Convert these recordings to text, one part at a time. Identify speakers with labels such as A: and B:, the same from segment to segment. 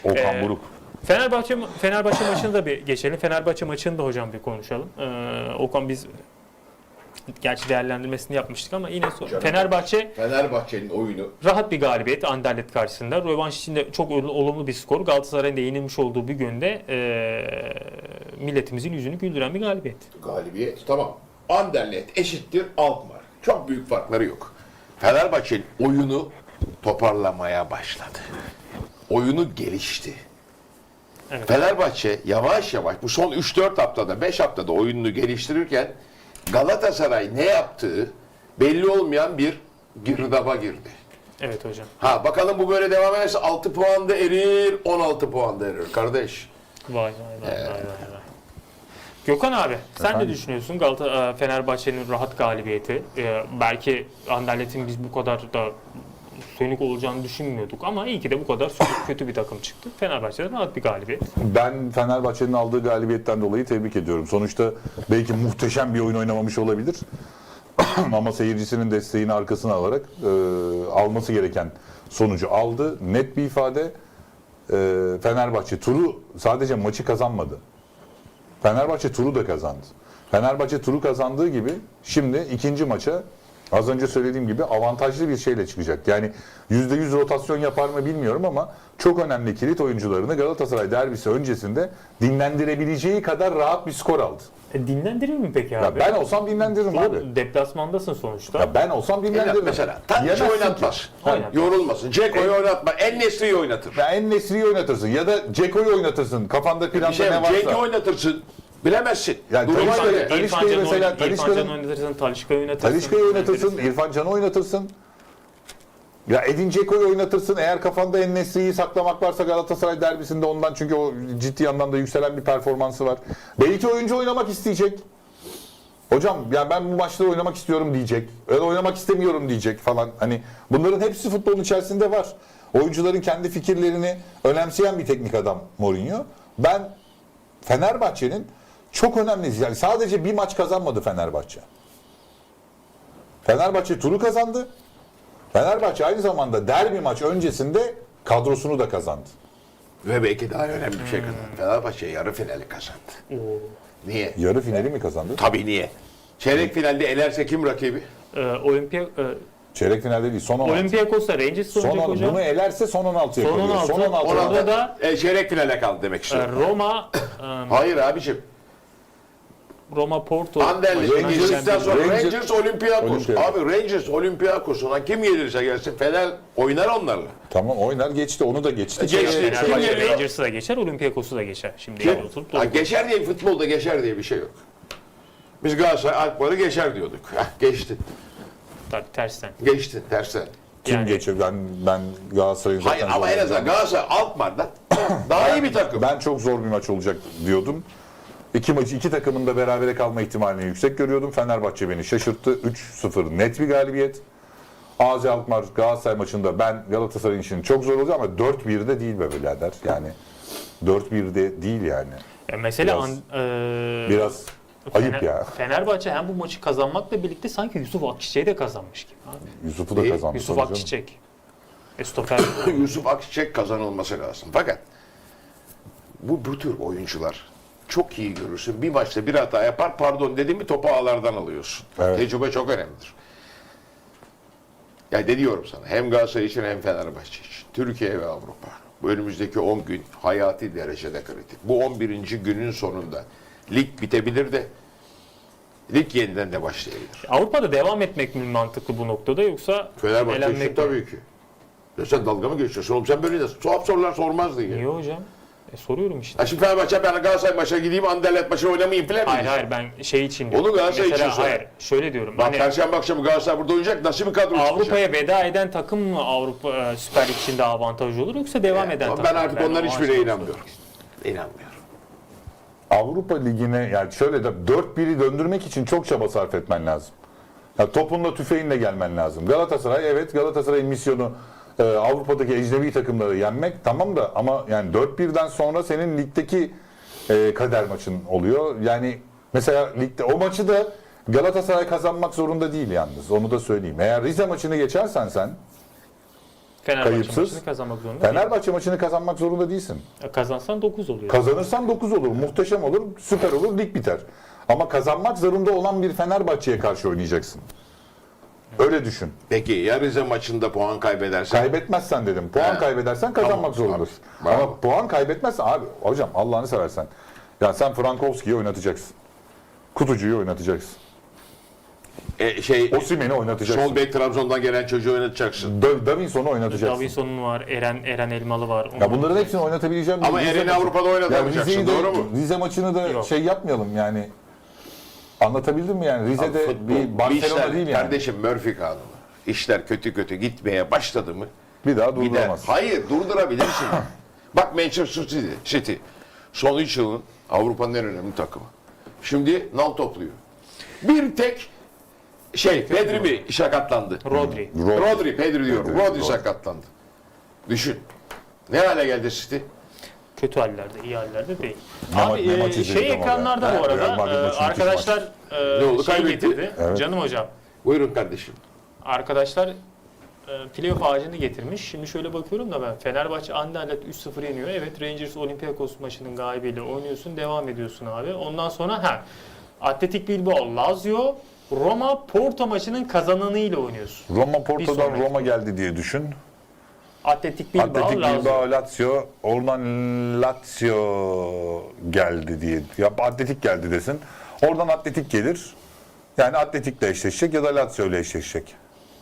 A: Okan Buruk.
B: Fenerbahçe maçını da bir geçelim. Fenerbahçe maçını da hocam bir konuşalım. Okan biz gerçi değerlendirmesini yapmıştık ama yine
C: Fenerbahçe'nin oyunu
B: rahat bir galibiyet Anderlecht karşısında. Rövanş için de çok olumlu bir skor. Galatasaray'ın da yenilmiş olduğu bir günde milletimizin yüzünü güldüren bir galibiyet.
C: tamam. Anderlecht eşittir Alkmaar. Çok büyük farkları yok. Fenerbahçe'nin oyunu toparlamaya başladı. Oyunu gelişti.
B: Evet.
C: Fenerbahçe yavaş yavaş bu son 3-4 haftada 5 haftada oyununu geliştirirken Galatasaray ne yaptığı belli olmayan bir girdaba girdi.
B: Evet hocam.
C: Bakalım bu böyle devam ederse 6 puanda erir, 16 puanda erir kardeş.
B: Vay. Gökhan abi sen ne düşünüyorsun Fenerbahçe'nin rahat galibiyeti? Belki Anderlecht'in biz bu kadar da sönük olacağını düşünmüyorduk ama iyi ki de bu kadar sönük kötü bir takım çıktı. Fenerbahçe'den rahat bir galibiyet.
A: Ben Fenerbahçe'nin aldığı galibiyetten dolayı tebrik ediyorum. Sonuçta belki muhteşem bir oyun oynamamış olabilir. Ama seyircisinin desteğini arkasına alarak alması gereken sonucu aldı. Net bir ifade. Fenerbahçe sadece maçı kazanmadı. Fenerbahçe turu da kazandı. Fenerbahçe turu kazandığı gibi şimdi ikinci maça az önce söylediğim gibi avantajlı bir şeyle çıkacak. Yani %100 rotasyon yapar mı bilmiyorum ama çok önemli kilit oyuncularını Galatasaray derbisi öncesinde dinlendirebileceği kadar rahat bir skor aldı.
B: Dinlendirir mi peki abi?
A: Ya ben olsam dinlendiririm abi.
B: Deplasmandasın sonuçta.
A: Ya ben olsam dinlendiririm.
C: Mesela Tadiç'i oynatmaz.
B: Oynatmaz.
C: Yorulmasın. Ceko'yu oynatma. En-Nesyri'yi oynatır.
A: Ya En-Nesyri'yi oynatırsın ya da Ceko'yu oynatırsın. Kafanda planda
C: Ceko'yu
A: ne varsa.
C: oynatırsın. Bilemezsin.
A: Yani
C: Duruma
A: Talisca'yı-
C: göre.
A: Talisca'yı mesela
B: İrfan Can'ı oynatırsın, Talisca'yı oynatırsın.
A: Talişka'yı oynatırsın, İrfan Can'ı oynatırsın. Ya Edin Dzeko'yu oynatırsın. Eğer kafanda En-Nesyri'yi saklamak varsa Galatasaray derbisinde ondan çünkü o ciddi anlamda yükselen bir performansı var. Belki oyuncu oynamak isteyecek. Hocam ya ben bu maçta oynamak istiyorum diyecek. Öyle oynamak istemiyorum diyecek falan. Hani bunların hepsi futbolun içerisinde var. Oyuncuların kendi fikirlerini önemseyen bir teknik adam Mourinho. Ben Fenerbahçe'nin çok önemli. Yani sadece bir maç kazanmadı Fenerbahçe. Fenerbahçe turu kazandı. Fenerbahçe aynı zamanda derbi maç öncesinde kadrosunu da kazandı.
C: Ve belki daha önemli bir şey kazandı. Fenerbahçe yarı finali kazandı. Niye?
A: Yarı finali mi kazandı?
C: Tabii niye? Çeyrek finalde elerse kim rakibi?
A: Çeyrek finalde değil, son 16.
B: Olympiakos'ta Rangers oynayacak hocam.
A: Bunu elerse son 16'ya
B: Son
A: kalıyor.
B: 16.
A: Son 16.
B: Orada da
C: çeyrek finale kaldı demek istiyorum. Hayır abiciğim.
B: Roma, Porto.
C: Anderlecht geçtikten sonra Rangers Olympiakos.
A: Olympiakos.
C: Abi Rangers Olympiakos'una kim gelirse gelsin Fener oynar onlarla.
A: Tamam oynar geçti, onu da geçti.
C: Geçti. Kim
B: Fenerbahçe
C: geliyor?
B: Rangers'ı da geçer, Olympiakos'u da geçer. Şimdi
C: Kim?
B: oturup
C: Geçer diye futbolda geçer diye bir şey yok. Biz Galatasaray Alkmaar'ı geçer diyorduk. Geçti.
B: tabii tersten.
C: Geçti tersten.
A: Kim
B: Yani-
A: geçiyor? Ben Galatasaray'ın zaten
C: Hayır ama en azından
A: zorlanacağını-
C: Galatasaray Alkmaar'dan daha iyi bir takım.
A: Ben çok zor bir maç olacak diyordum. İki takımın da berabere kalma ihtimalini yüksek görüyordum. Fenerbahçe beni şaşırttı. 3-0 net bir galibiyet. AZ Alkmaar Galatasaray maçında ben Galatasaray'ın işini çok zor olacak ama 4-1'de değil be birader. Yani 4-1'de değil yani.
B: Mesela
A: Biraz ayıp ya.
B: Fenerbahçe hem bu maçı kazanmakla birlikte sanki Yusuf Akçiçek'i de kazanmış gibi. Abi.
A: Yusuf'u da
C: İyi.
A: kazandı.
B: Yusuf
A: tabii canım.
B: Akçiçek. Stoper.
C: Yusuf Akçiçek kazanılması lazım. Fakat bu tür oyuncular çok iyi görürsün. Bir maçta bir hata yapar, pardon dediğimi topu ağlardan alıyorsun.
A: Evet.
C: Tecrübe çok önemlidir. Ya diyorum sana hem Galatasaray için hem Fenerbahçe için. Türkiye ve Avrupa. Bu önümüzdeki 10 gün hayati derecede kritik. Bu 11. günün sonunda lig bitebilir de lig yeniden de başlayabilir.
B: Avrupa'da devam etmek mi mantıklı bu noktada yoksa
C: Fenerbahçe için
B: elenmek mi?
C: tabii ki. Ya sen dalga mı geçiyorsun oğlum? Sen böyle de tuhaf sorular sormazdın ya.
B: Niye hocam? Soruyorum işte.
C: Ha şimdi Fenerbahçe ben Galatasaray maçına gideyim Anderlecht maçına oynamayayım falan mı?
B: Hayır ben şey için diyorum.
C: Onu Galatasaray
B: Mesela,
C: için söyle.
B: hayır şöyle diyorum.
C: Bak
B: Hani
C: Perşembe akşamı Galatasaray burada oynayacak. Nasıl bir kadro çıkacak?
B: Avrupa'ya veda eden takım mı Avrupa Süper Lig için daha avantajlı olur yoksa devam eden takım
C: Ben
B: mı?
C: artık onların
B: o
C: hiçbirine
B: açıdan
C: inanmıyorum. İnanmıyorum.
A: Avrupa Ligi'ne yani şöyle de 4-1'i döndürmek için çok çaba sarf etmen lazım. Ya topunla tüfeğinle gelmen lazım. Galatasaray'ın misyonu Avrupa'daki ecnebi takımları yenmek tamam da ama yani 4-1'den sonra senin ligdeki kader maçın oluyor. Yani mesela ligde o maçı da Galatasaray kazanmak zorunda değil yalnız. Onu da söyleyeyim. Eğer Rize maçını geçersen sen
B: Fenerbahçe
A: Kayıpsız.
B: maçını kazanmak zorunda değil.
A: Fenerbahçe maçını kazanmak zorunda değilsin.
B: Kazansan 9 oluyor.
A: Kazanırsan 9 olur, muhteşem olur, süper olur, lig biter. Ama kazanmak zorunda olan bir Fenerbahçe'ye karşı oynayacaksın. Öyle düşün.
C: Peki ya Rize maçında puan kaybedersen?
A: Kaybetmezsen dedim. Puan
C: He.
A: kaybedersen kazanmak
C: Tamam,
A: zorundasın.
C: bravo.
A: Ama puan kaybetmezsen abi hocam Allah'ını seversen. Ya sen Frankowski'yi oynatacaksın. Kutucu'yu oynatacaksın. Osimhen'i oynatacaksın.
C: Sol bek Trabzon'dan gelen çocuğu oynatacaksın.
A: Davinson'u oynatacaksın.
B: Davinson'un var, Eren Elmalı var.
A: Ya bunların hepsini oynatabileceğim.
C: Ama Eren'i Avrupa'da oynatamayacaksın,
A: Rize'yi de-
C: doğru mu?
A: Rize maçını da
B: Yok.
A: şey yapmayalım yani. Anlatabildim mi yani? Rize'de
C: Futbol,
A: bir Barcelona
C: işler,
A: değil yani.
C: Kardeşim Murphy kanunu. İşler kötü gitmeye başladı mı?
A: Bir daha
C: Gider.
A: durduramaz.
C: Hayır durdurabilirsin. Bak Manchester City. Son 3 yılın Avrupa'nın en önemli takımı. Şimdi nal topluyor. Bir tek Pedri mi sakatlandı?
B: Rodri.
C: Pedri diyorum. Rodri sakatlandı. Düşün. Ne hale geldi City?
B: Kötü hallerde, iyi hallerde değil.
A: Ne
B: Abi
A: maç izledik
B: şey
A: ama
B: ekranlarda
A: ya.
B: bu
A: Real
B: arada
A: Madrid maçı
B: arkadaşlar
C: Ne oldu,
B: şey
C: kaybetti?
B: getirdi.
A: Evet.
B: Canım hocam.
C: Buyurun kardeşim.
B: Arkadaşlar playoff ağacını getirmiş. Şimdi şöyle bakıyorum da ben Fenerbahçe Anderlecht 3-0 yeniyor. Evet, Rangers Olympiakos maçının galibiyle oynuyorsun, devam ediyorsun abi. Ondan sonra Atletik Bilbao, Lazio, Roma Porto maçının kazananıyla oynuyorsun.
A: Roma
B: Bir
A: Porto'dan
B: sonraki.
A: Roma geldi diye düşün.
B: Atletik Bilbao,
A: Atletik
B: Lazio.
A: Bilbao, Lazio. Oradan Lazio geldi diye. Ya Atletik geldi desin. Oradan Atletik gelir. Yani Atletik'le eşleşecek ya da Lazio ile eşleşecek.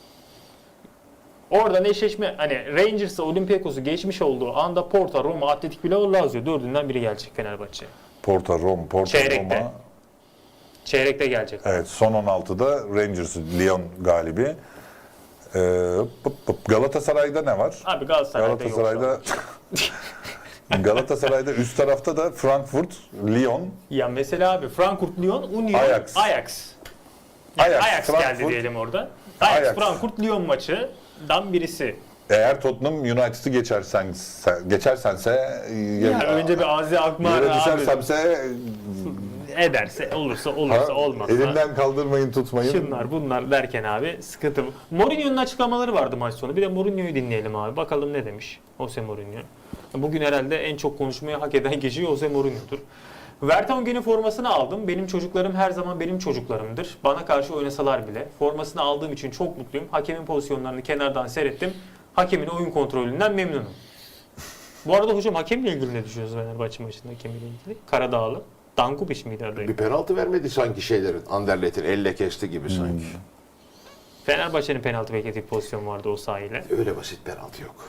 B: Oradan eşleşme hani Rangers'ı Olympiakos'u geçmiş olduğu anda Porto, Roma, Atletik Bilbao, Lazio dördünden biri gelecek Fenerbahçe.
A: Porto,
B: Çeyrekte.
A: Roma.
B: Çeyrekte gelecek.
A: Evet, son 16'da Rangers, Lyon galibi. Galatasaray'da ne var?
B: Abi Galatasaray'da yok.
A: Galatasaray'da üst tarafta da Frankfurt, Lyon,
B: Ya mesela abi Frankfurt, Lyon, Union,
A: Ajax.
B: Ajax
A: Ajax,
B: geldi
A: Frankfurt.
B: diyelim orada. Ajax,
A: Ajax.
B: Frankfurt, Lyon maçından birisi.
A: Eğer Tottenham United'ı geçersense
B: Yani önce bir Azi Akmar
A: yere
B: abi
A: düşersemse
B: ederse olursa olmazsa.
A: elimden kaldırmayın tutmayın.
B: Şunlar bunlar derken abi sıkıntı. Mourinho'nun açıklamaları vardı maç sonu. Bir de Mourinho'yu dinleyelim abi. Bakalım ne demiş Jose Mourinho. Bugün herhalde en çok konuşmayı hak eden kişi Jose Mourinho'dur. Vertonghen'in formasını aldım. Benim çocuklarım her zaman benim çocuklarımdır. Bana karşı oynasalar bile. Formasını aldığım için çok mutluyum. Hakemin pozisyonlarını kenardan seyrettim. Hakemin oyun kontrolünden memnunum. Bu arada hocam hakemle ilgili ne düşünüyorsunuz Fenerbahçe maçında hakemiyle ilgili? Karadağlı. Dankubiş miydi adayı?
C: Bir penaltı vermedi sanki şeylerin. Anderlet'in elle kesti gibi sanki.
B: Fenerbahçe'nin penaltı beklediği pozisyon vardı o sahayla.
C: Öyle basit penaltı yok.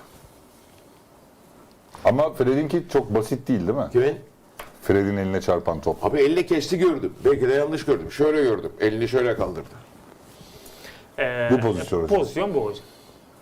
A: Ama Fred'inki çok basit değil mi?
C: Kimin?
A: Fred'in eline çarpan top.
C: Abi elle kesti gördüm. Belki de yanlış gördüm. Şöyle gördüm. Elini şöyle kaldırdı.
A: Bu pozisyon hocam.
B: Pozisyon bu hocam.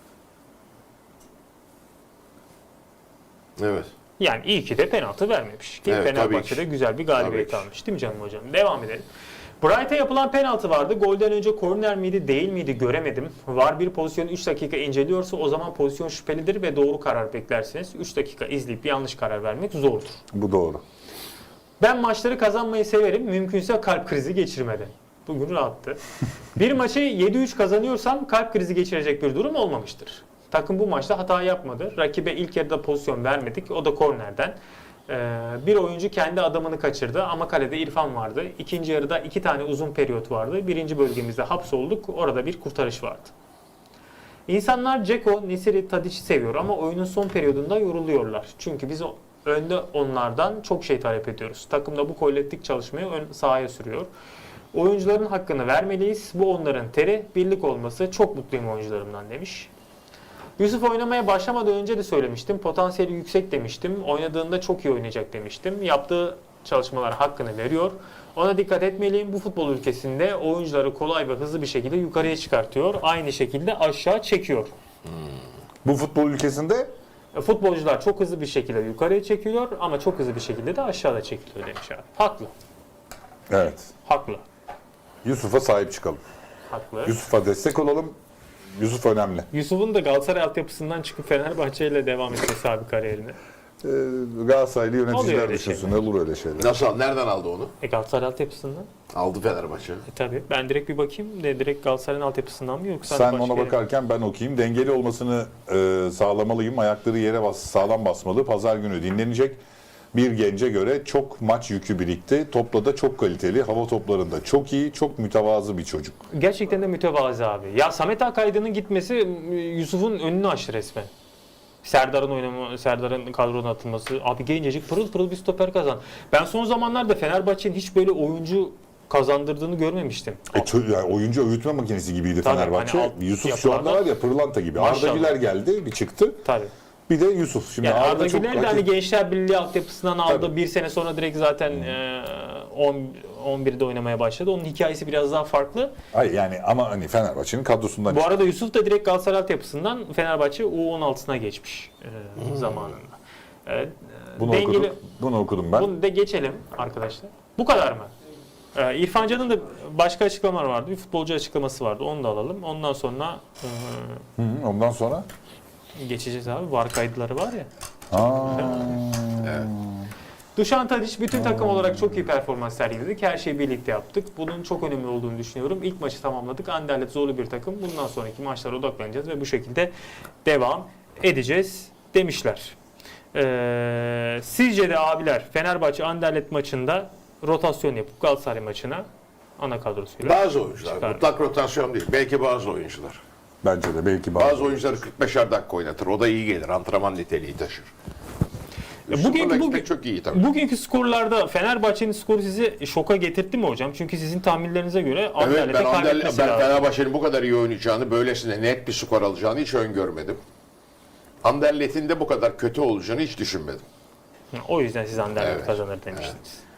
C: Evet.
B: Yani iyi ki de penaltı vermemiş. Ki
C: Evet,
B: Fenerbahçe'de
C: tabii ki.
B: güzel bir galibiyet
C: Tabii ki.
B: almış değil mi canım hocam? Devam edelim. Bright'a yapılan penaltı vardı. Golden önce korner miydi değil miydi göremedim. VAR bir pozisyonu 3 dakika inceliyorsa o zaman pozisyon şüphelidir ve doğru karar beklersiniz. 3 dakika izleyip yanlış karar vermek zordur.
A: Bu doğru.
B: Ben maçları kazanmayı severim. Mümkünse kalp krizi geçirmeden. Bugün rahattı. Bir maçı 7-3 kazanıyorsam kalp krizi geçirecek bir durum olmamıştır. Takım bu maçta hata yapmadı. Rakibe ilk yarıda pozisyon vermedik. O da kornerden. Bir oyuncu kendi adamını kaçırdı ama kalede İrfan vardı. İkinci yarıda 2 tane uzun periyot vardı. Birinci bölgemizde hapsolduk. Orada bir kurtarış vardı. İnsanlar Dzeko, Nesiri, Tadic'i seviyor ama oyunun son periyodunda yoruluyorlar. Çünkü biz önde onlardan çok şey talep ediyoruz. Takımda bu kolektif çalışmayı ön sahaya sürüyor. Oyuncuların hakkını vermeliyiz. Bu onların teri, birlik olması. Çok mutluyum oyuncularımdan demiş. Yusuf oynamaya başlamadan önce de söylemiştim. Potansiyeli yüksek demiştim. Oynadığında çok iyi oynayacak demiştim. Yaptığı çalışmalar hakkını veriyor. Ona dikkat etmeliyim. Bu futbol ülkesinde oyuncuları kolay ve hızlı bir şekilde yukarıya çıkartıyor. Aynı şekilde aşağı çekiyor.
A: Bu futbol ülkesinde
B: Futbolcular çok hızlı bir şekilde yukarıya çekiliyor ama çok hızlı bir şekilde de aşağıda çekiliyor demiş abi. Haklı.
A: evet.
B: Haklı.
A: Yusuf'a sahip çıkalım.
B: Haklı.
A: Yusuf'a destek olalım. Yusuf önemli.
B: Yusuf'un da Galatasaray altyapısından çıkıp Fenerbahçe ile devam etmesi abi kariyerine.
A: Galatasaraylı
B: Oluyor
A: yöneticiler
B: öyle
A: düşünsün. Olur öyle şeyler.
C: Nasıl? Nereden aldı onu?
B: Galatasaray altyapısından.
C: Aldı Fenerbahçe.
B: Tabii. Ben direkt bir bakayım de direkt Galatasaray'ın altyapısından mı yoksa
A: Sen
B: başka
A: ona
B: yere mi?
A: bakarken ben okuyayım. Dengeli olmasını sağlamalıyım. Ayakları yere sağlam basmalı. Pazar günü dinlenecek. Bir gence göre çok maç yükü birikti. Topla da çok kaliteli. Hava toplarında çok iyi, çok mütevazı bir çocuk.
B: Gerçekten de mütevazı abi. Ya Samet Akaydın'ın gitmesi Yusuf'un önünü açtı resmen. Serdar'ın kadrona atılması. Abi gencecik pırıl pırıl bir stoper kazan. Ben son zamanlarda Fenerbahçe'nin hiç böyle oyuncu kazandırdığını görmemiştim.
A: Yani oyuncu öğütme makinesi gibiydi
B: Tabii,
A: Fenerbahçe.
B: hani
A: Yusuf şu anda
B: yapılarda-
A: var ya pırlanta gibi.
B: Maşallah.
A: Arda Güler geldi, bir çıktı.
B: Tabii.
A: Bir de Yusuf. Şimdi
B: Yani Arda
A: çok
B: Güler de hani Gençler Birliği altyapısından aldı.
A: Tabii.
B: Bir sene sonra direkt zaten 11'de oynamaya başladı. Onun hikayesi biraz daha farklı.
A: Hayır yani ama hani Fenerbahçe'nin kadrosundan
B: Bu arada Yusuf da direkt Galatasaray altyapısından Fenerbahçe U16'sına geçmiş zamanında. Evet,
A: bunu okudum ben.
B: Bunu da geçelim arkadaşlar. Bu kadar mı? İrfan Can'ın da başka açıklamalar vardı. Bir futbolcu açıklaması vardı. Onu da alalım. Ondan sonra
A: Ondan sonra
B: geçeceğiz abi. VAR kayıtları var ya.
C: Evet.
B: Dušan Tadić bütün takım olarak çok iyi performans sergiledik. Her şeyi birlikte yaptık. Bunun çok önemli olduğunu düşünüyorum. İlk maçı tamamladık. Anderlecht zorlu bir takım. Bundan sonraki maçlara odaklanacağız ve bu şekilde devam edeceğiz demişler. Sizce de abiler Fenerbahçe Anderlecht maçında rotasyon yapıp Galatasaray maçına ana kadrosuyla
C: Bazı oyuncular.
B: çıkar.
C: Mutlak rotasyon değil. Belki bazı oyuncular.
A: bence de belki
C: Bazı oyuncuları 45'er dakika oynatır. O da iyi gelir. Antrenman niteliği taşır. Bugün çok iyi tabii.
B: Bugünkü skorlarda Fenerbahçe'nin skoru sizi şoka getirdi mi hocam? Çünkü sizin tahminlerinize göre
C: Evet,
B: Anderlecht'e kaybetmesi
C: ben
B: lazım.
C: Fenerbahçe'nin bu kadar iyi oynayacağını, böylesine net bir skor alacağını hiç öngörmedim. Anderlecht'in de bu kadar kötü olacağını hiç düşünmedim.
B: O yüzden siz Anderlecht
C: Evet.
B: kazanır demiştiniz.